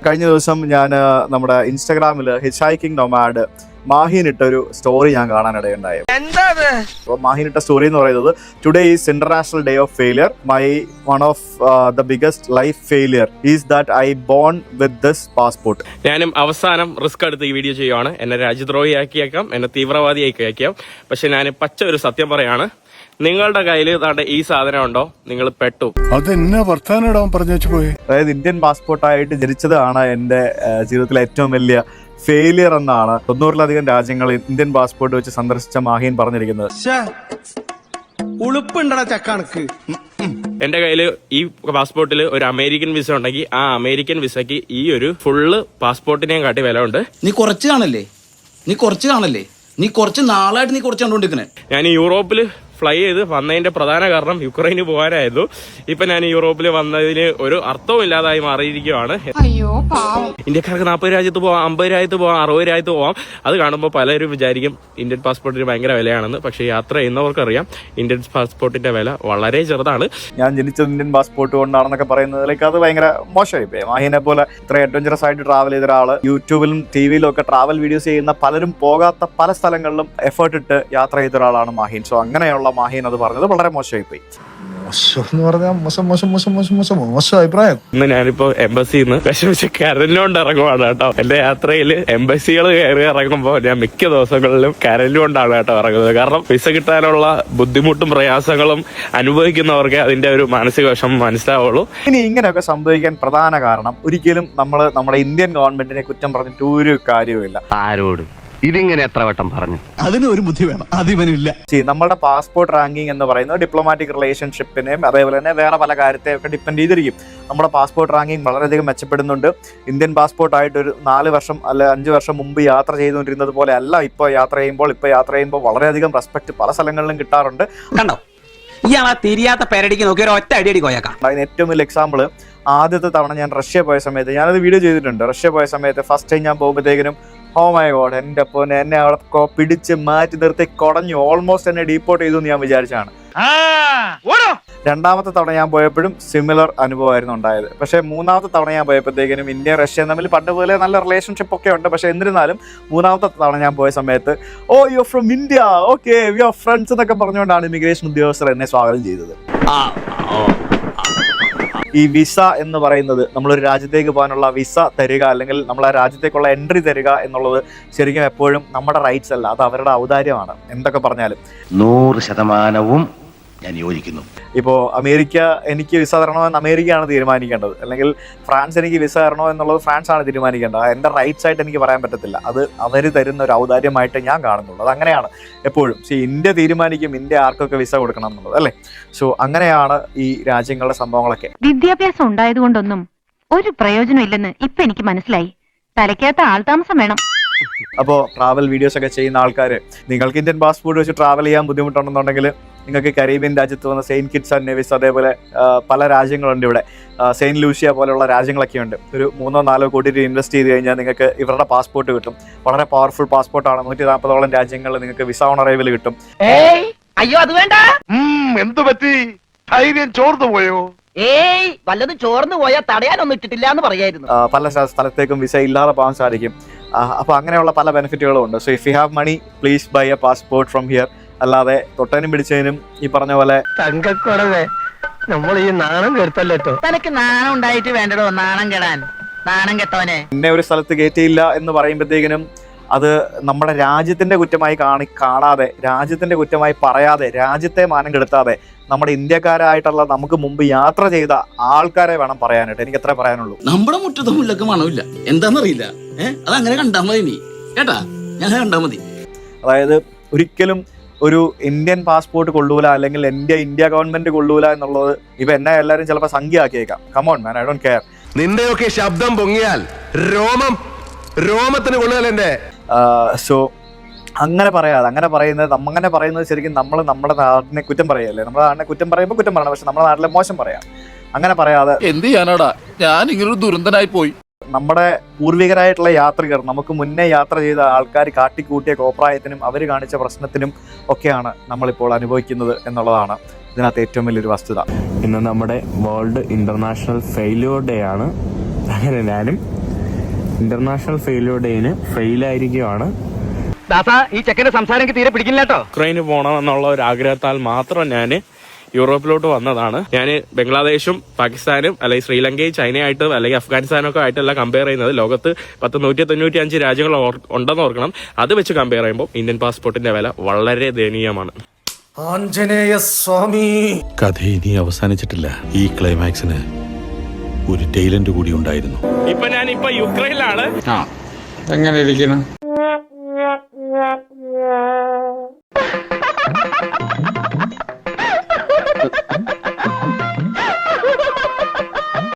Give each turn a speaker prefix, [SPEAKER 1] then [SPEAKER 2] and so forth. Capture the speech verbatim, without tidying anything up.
[SPEAKER 1] കഴിഞ്ഞ ദിവസം ഞാൻ നമ്മുടെ ഇൻസ്റ്റാഗ്രാമിൽ ഹിച്ച് ഹൈക്കിംഗ് നൊമാഡ് മാഹിൻ ഇട്ടൊരു സ്റ്റോറി ഞാൻ കാണാനിടയുണ്ടായി. അപ്പോൾ മാഹിൻ ഇട്ട സ്റ്റോറി എന്ന് പറയുന്നത് today is international day of failure. My one of the biggest life failure is that I born with this passport.
[SPEAKER 2] ഞാനും അവസാനം റിസ്ക് എടുത്ത് ഈ വീഡിയോ ചെയ്യുവാണ്. എന്നെ രാജ്യദ്രോഹിയാക്കിയേക്കാം, എന്നെ തീവ്രവാദിയാക്കിയേക്കാം. പക്ഷെ ഞാൻ പച്ച ഒരു സത്യം പറയാണ്, നിങ്ങളുടെ കയ്യിൽ താണ്ട ഈ സാധനം ഉണ്ടോ, നിങ്ങൾ പെട്ടു.
[SPEAKER 3] അതെന്നാ വർത്താനം പറഞ്ഞു പോയി.
[SPEAKER 1] അതായത് ഇന്ത്യൻ പാസ്പോർട്ടായിട്ട് ജനിച്ചതാണ് എൻ്റെ ജീവിതത്തിലെ ഏറ്റവും വലിയ ഫെയിലിയർ എന്നാണ് തൊണ്ണൂറിലധികം രാജ്യങ്ങൾ ഇന്ത്യൻ പാസ്പോർട്ട് വെച്ച് സന്ദർശിച്ച മാഹിൻ പറഞ്ഞിരിക്കുന്നത്.
[SPEAKER 2] എന്റെ കയ്യിൽ ഈ പാസ്പോർട്ടിൽ ഒരു അമേരിക്കൻ വിസ ഉണ്ടെങ്കിൽ ആ അമേരിക്കൻ വിസയ്ക്ക് ഈ ഒരു ഫുള്ള് പാസ്പോർട്ടിനെയും കാട്ടി വില ഉണ്ട്.
[SPEAKER 4] നീ കുറച്ച് കാണല്ലേ നീ കുറച്ച് കാണല്ലേ നീ കുറച്ച് നാളായിട്ട് നീ കുറച്ച് കണ്ടോണ്ടിരിക്കണേ.
[SPEAKER 2] ഞാൻ യൂറോപ്പിൽ ഫ്ലൈ ചെയ്ത് വന്നതിന്റെ പ്രധാന കാരണം യുക്രൈന് പോകാനായിരുന്നു. ഇപ്പൊ ഞാൻ യൂറോപ്പിൽ വന്നതിന് ഒരു അർത്ഥവും ഇല്ലാതായി മാറിയിരിക്കുകയാണ്. ഇന്ത്യക്കാർക്ക് നാൽപ്പത് രാജ്യത്ത് പോവാം, അമ്പത് രാജ്യത്ത് പോവാം, അറുപത് രാജ്യത്ത് പോവാം. അത് കാണുമ്പോൾ പലരും വിചാരിക്കും ഇന്ത്യൻ പാസ്പോർട്ടിന് ഭയങ്കര വിലയാണെന്ന്. പക്ഷേ യാത്ര ചെയ്യുന്നവർക്കറിയാം ഇന്ത്യൻ പാസ്പോർട്ടിന്റെ വില വളരെ ചെറുതാണ്.
[SPEAKER 1] ഞാൻ ജനിച്ചത് ഇന്ത്യൻ പാസ്പോർട്ട് കൊണ്ടാണെന്നൊക്കെ പറയുന്നതിലേക്ക് അത് ഭയങ്കര മോശമായി പോയി. മാഹിനെ പോലെ ഇത്ര അഡ്വഞ്ചറസ് ആയിട്ട് ട്രാവൽ ചെയ്ത ഒരാള് യൂട്യൂബിലും ടി വിയിലും ഒക്കെ ട്രാവൽ വീഡിയോസ് ചെയ്യുന്ന പലരും പോകാത്ത പല സ്ഥലങ്ങളിലും എഫേർട്ട് ഇട്ട് യാത്ര ചെയ്ത ഒരാളാണ് മാഹിൻ. സോ അങ്ങനെയുള്ള മാഹിൻ അത് പറഞ്ഞത് വളരെ മോശമായി പോയി.
[SPEAKER 2] ഇന്ന് ഞാനിപ്പോ എംബസിയിൽ നിന്ന് വിഷമിച്ച് കരഞ്ഞുകൊണ്ട് ഇറങ്ങുവാണ് കേട്ടോ. എന്റെ യാത്രയിൽ എംബസികൾ കയറി ഇറങ്ങുമ്പോ ഞാൻ മിക്ക ദിവസങ്ങളിലും കരഞ്ഞുകൊണ്ടാണ് കേട്ടോ ഇറങ്ങുന്നത്. കാരണം വിസ കിട്ടാനുള്ള ബുദ്ധിമുട്ടും പ്രയാസങ്ങളും അനുഭവിക്കുന്നവർക്ക് അതിന്റെ ഒരു മാനസിക വിഷമം മനസ്സിലാവുള്ളൂ.
[SPEAKER 1] ഇനി ഇങ്ങനെയൊക്കെ സംഭവിക്കാൻ പ്രധാന കാരണം ഒരിക്കലും നമ്മൾ നമ്മുടെ ഇന്ത്യൻ ഗവൺമെന്റിനെ കുറ്റം പറഞ്ഞിട്ട് ഒരു കാര്യവുമില്ല.
[SPEAKER 5] ആരോട് ഇതിങ്ങനെ എത്ര വട്ടം പറഞ്ഞു?
[SPEAKER 3] അതിന് ഒരു ബുദ്ധി വേണം, അതിവനില്ല.
[SPEAKER 1] നമ്മുടെ പാസ്പോർട്ട് റാങ്കിങ് എന്ന് പറയുന്നത് ഡിപ്ലോമാറ്റിക് റിലേഷൻഷിപ്പിനെയും അതേപോലെ തന്നെ വേറെ പല കാര്യത്തെയൊക്കെ ഡിപ്പെൻഡ് ചെയ്തിരിക്കും. നമ്മുടെ പാസ്പോർട്ട് റാങ്കിങ് വളരെയധികം മെച്ചപ്പെടുന്നുണ്ട്. ഇന്ത്യൻ പാസ്പോർട്ടായിട്ട് ഒരു നാല് വർഷം അല്ലെ അഞ്ച് വർഷം മുമ്പ് യാത്ര ചെയ്തുകൊണ്ടിരുന്നത് പോലെ അല്ല ഇപ്പോൾ യാത്ര ചെയ്യുമ്പോൾ. ഇപ്പോൾ യാത്ര ചെയ്യുമ്പോൾ വളരെയധികം റെസ്പെക്ട് പല സ്ഥലങ്ങളിലും കിട്ടാറുണ്ട്.
[SPEAKER 4] കണ്ടോ ഇയാളാ തിരിയാത്ത പേരടിക്ക് നോക്കി ഒറ്റ അടിയടി കോയക്കാം.
[SPEAKER 1] അതിന് ഏറ്റവും വലിയ എക്സാമ്പിൾ ആദ്യത്തെ തവണ ഞാൻ റഷ്യ പോയ സമയത്ത്, ഞാനത് വീഡിയോ ചെയ്തിട്ടുണ്ട്. റഷ്യ പോയ സമയത്ത് ഫസ്റ്റ് ടൈം ഞാൻ പോകുമ്പോഴത്തേക്കിനും ഓ മൈ ഗോഡ്, എൻ്റെ അപ്പോൾ എന്നെ അവിടെ പിടിച്ച് മാറ്റി നിർത്തി കുടഞ്ഞു, ഓൾമോസ്റ്റ് എന്നെ ഡീപ്പോർട്ട് ചെയ്തു എന്ന് ഞാൻ വിചാരിച്ചാണ്. രണ്ടാമത്തെ തവണ ഞാൻ പോയപ്പോഴും സിമിലർ അനുഭവമായിരുന്നു ഉണ്ടായത്. പക്ഷേ മൂന്നാമത്തെ തവണ ഞാൻ പോയപ്പോഴത്തേക്കിനും ഇന്ത്യ റഷ്യ തമ്മിൽ പണ്ട് പോലെ നല്ല റിലേഷൻഷിപ്പ് ഒക്കെ ഉണ്ട്. പക്ഷേ എന്നിരുന്നാലും മൂന്നാമത്തെ തവണ ഞാൻ പോയ സമയത്ത് oh you are from India, okay we are friends എന്നൊക്കെ പറഞ്ഞുകൊണ്ടാണ് ഇമിഗ്രേഷൻ ഉദ്യോഗസ്ഥർ എന്നെ സ്വാഗതം ചെയ്തത്. ഈ വിസ എന്ന് പറയുന്നത് നമ്മളൊരു രാജ്യത്തേക്ക് പോകാനുള്ള വിസ തരിക അല്ലെങ്കിൽ നമ്മൾ ആ രാജ്യത്തേക്കുള്ള എൻട്രി തരിക എന്നുള്ളത് ശരിക്കും എപ്പോഴും നമ്മുടെ റൈറ്റ്സ് അല്ല, അത് അവരുടെ ഔദാര്യമാണ്. എന്തൊക്കെ പറഞ്ഞാലും
[SPEAKER 5] നൂറ് ശതമാനവും ഞാൻ യോജിക്കുന്നു.
[SPEAKER 1] ഇപ്പോൾ അമേരിക്ക എനിക്ക് വിസ തരണമെന്ന് അമേരിക്കയാണ് തീരുമാനിക്കേണ്ടത്, അല്ലെങ്കിൽ ഫ്രാൻസ് എനിക്ക് വിസ തരണോ എന്നുള്ളത് ഫ്രാൻസ് ആണ് തീരുമാനിക്കേണ്ടത്. എൻ്റെ റൈറ്റ്സ് ആയിട്ട് എനിക്ക് പറയാൻ പറ്റത്തില്ല, അത് അവർ തരുന്ന ഒരു ഔദാര്യമായിട്ട് ഞാൻ കാണുന്നുള്ളൂ. അത് അങ്ങനെയാണ് എപ്പോഴും. സോ ഇന്ത്യ തീരുമാനിക്കും ഇന്ത്യ ആർക്കൊക്കെ വിസ കൊടുക്കണം എന്നുള്ളത്, അല്ലേ? സോ അങ്ങനെയാണ് ഈ രാജ്യങ്ങളുടെ സംഭവങ്ങളൊക്കെ.
[SPEAKER 6] വിദ്യാഭ്യാസം ഉണ്ടായത് കൊണ്ടൊന്നും ഒരു പ്രയോജനം ഇല്ലെന്ന് ഇപ്പൊ എനിക്ക് മനസ്സിലായി. തലയ്ക്കകത്ത് ആൾതാമസം വേണം.
[SPEAKER 1] അപ്പോൾ ട്രാവൽ വീഡിയോസ് ഒക്കെ ചെയ്യുന്ന ആൾക്കാർ, നിങ്ങൾക്ക് ഇന്ത്യൻ പാസ്പോർട്ട് വെച്ച് ട്രാവൽ ചെയ്യാൻ ബുദ്ധിമുട്ടുണ്ടെന്നുണ്ടെങ്കിൽ നിങ്ങൾക്ക് കരീബിയൻ രാജ്യത്ത് വന്ന സെയിൻറ്റ് കിറ്റ്സ് ആൻഡ് നെവിസ്, അതേപോലെ പല രാജ്യങ്ങളുണ്ട് ഇവിടെ, സെയിൻറ്റ് ലൂഷ്യ പോലെയുള്ള രാജ്യങ്ങളൊക്കെ ഉണ്ട്. ഒരു മൂന്നോ നാലോ കോടി രൂപ ഇൻവെസ്റ്റ് ചെയ്ത് കഴിഞ്ഞാൽ നിങ്ങൾക്ക് ഇവരുടെ പാസ്പോർട്ട് കിട്ടും. വളരെ പവർഫുൾ പാസ്പോർട്ടാണ്. നൂറ്റി നാൽപ്പതോളം രാജ്യങ്ങളിൽ നിങ്ങൾക്ക് വിസ ഓൺ അറൈവൽ കിട്ടും.
[SPEAKER 7] അയ്യോ അത് വേണ്ട.
[SPEAKER 3] എന്തു പറ്റി? ധൈര്യം ചോർന്നു പോയോ?
[SPEAKER 7] ഏയ് വല്ലതും ചോർന്നു പോയാൽ തടയാനൊന്നും ഇട്ടിട്ടില്ല എന്ന് പറയായിരുന്നു.
[SPEAKER 1] പല സ്ഥലത്തേക്കും വിസ ഇല്ലാതെ പോകാൻ സാധിക്കും. അപ്പോൾ അങ്ങനെയുള്ള പല ബെനിഫിറ്റുകളും ഉണ്ട്. So if you have money please buy a passport from here. അല്ലാതെ തൊട്ടനും പിടിച്ചതിനും ഈ പറഞ്ഞ പോലെ
[SPEAKER 7] തങ്കക്കുറവേ നമ്മൾ ഈ നാണം കേട്ടല്ലോ. തനക്ക് നാണം ഉണ്ടായിട്ട് വേണ്ടടോ നാണം കെടാൻ. നാണം കെട്ടവനെ
[SPEAKER 1] എന്നെ ഒരു സ്ഥലത്ത് കയറ്റിയില്ല എന്ന് പറയുമ്പോഴത്തേക്കിനും അത് നമ്മുടെ രാജ്യത്തിന്റെ കുറ്റമായി കാണി കാണാതെ രാജ്യത്തിന്റെ കുറ്റമായി പറയാതെ രാജ്യത്തെ മാനം കെടുത്താതെ നമ്മുടെ ഇന്ത്യക്കാരായിട്ടുള്ള നമുക്ക് മുമ്പ് യാത്ര ചെയ്ത ആൾക്കാരെ വേണം പറയാനായിട്ട്. എനിക്ക് എത്ര പറയാനുള്ളൂ.
[SPEAKER 4] നമ്മുടെ മുറ്റത്തെ മുല്ലക്ക് മണമില്ല, എന്താന്നറിയില്ല. ഏഹ് അതങ്ങനെ കണ്ടാ മതി നീ കേട്ടാ, ഞാൻ കണ്ടാ മതി.
[SPEAKER 1] അതായത് ഒരിക്കലും ഒരു ഇന്ത്യൻ പാസ്പോർട്ട് കൊള്ളൂല അല്ലെങ്കിൽ ഇന്ത്യ ഇന്ത്യ ഗവൺമെന്റ് കൊള്ളൂല എന്നുള്ളത് ഇപ്പൊ എന്നെ എല്ലാവരും ചിലപ്പോൾ സംഖ്യ ആക്കിയേക്കാം. Come on man, I don't care.
[SPEAKER 3] നിന്റെയൊക്കെ ശബ്ദം പൊങ്ങിയാൽ രോമം രോമത്തിന് കൊള്ളുകയല്ലേ.
[SPEAKER 1] സോ അങ്ങനെ പറയാതെ അങ്ങനെ പറയുന്നത് അങ്ങനെ പറയുന്നത് ശരിക്കും നമ്മൾ നമ്മുടെ നാടിനെ കുറ്റം പറയല്ലേ. നമ്മുടെ നാടിനെ കുറ്റം പറയുമ്പോൾ കുറ്റം പറയണം, പക്ഷെ നമ്മുടെ നാട്ടിലെ മോശം പറയാം. അങ്ങനെ പറയാതെ
[SPEAKER 8] എന്ത് ചെയ്യാനാടാ, ഞാൻ ഇങ്ങനൊരു ദുരന്തനായി പോയി.
[SPEAKER 1] നമ്മുടെ പൂർവികരായിട്ടുള്ള യാത്രികർ, നമുക്ക് മുന്നേ യാത്ര ചെയ്ത ആൾക്കാർ കാട്ടിക്കൂട്ടിയ കോപ്രായത്തിനും അവർ കാണിച്ച പ്രശ്നത്തിനും ഒക്കെയാണ് നമ്മളിപ്പോൾ അനുഭവിക്കുന്നത് എന്നുള്ളതാണ് ഇതിനകത്ത് ഏറ്റവും വലിയൊരു വസ്തുത.
[SPEAKER 2] ഇന്ന് നമ്മുടെ വേൾഡ് ഇന്റർനാഷണൽ ഫെയിലിയർ ഡേ ആണ്. അങ്ങനെ ഞാനും
[SPEAKER 9] ഇന്റർനാഷണൽ ഫെയിലിയർ ഡേന് ഫെയിൽ ആയിരിക്കുകയാണ്.
[SPEAKER 7] ദാസ ഈ ചെക്കന്റെ സംസാരം എനിക്ക് തീരെ പിടിക്കില്ല കേട്ടോ.
[SPEAKER 2] യുക്രൈന് പോകണം എന്നുള്ള ഒരു ആഗ്രഹത്താൽ മാത്രം ഞാൻ യൂറോപ്പിലോട്ട് വന്നതാണ്. ഞാൻ ബംഗ്ലാദേശും പാകിസ്ഥാനും അല്ലെങ്കിൽ ശ്രീലങ്കയും ചൈനയായിട്ട് അല്ലെങ്കിൽ അഫ്ഗാനിസ്ഥാനും ഒക്കെ ആയിട്ടല്ല കമ്പയർ ചെയ്യുന്നത്. ലോകത്ത് പത്ത് നൂറ്റി തൊണ്ണൂറ്റി അഞ്ച് രാജ്യങ്ങൾ ഉണ്ടെന്ന് ഓർക്കണം. അത് വെച്ച് കമ്പയർ ചെയ്യുമ്പോൾ ഇന്ത്യൻ പാസ്പോർട്ടിന്റെ വില വളരെ ദയനീയമാണ്.
[SPEAKER 10] ആഞ്ജനേയ സ്വാമി. കഥ ഇനി അവസാനിച്ചിട്ടില്ല. ഈ ക്ലൈമാക്സിന് ഒരു ടൈലന്റ് കൂടി ഉണ്ടായിരുന്നു.
[SPEAKER 2] ഇപ്പൊ ഞാൻ ഇപ്പൊ യുക്രൈനിലാണ്.
[SPEAKER 9] എങ്ങനെ ഇരിക്കണം?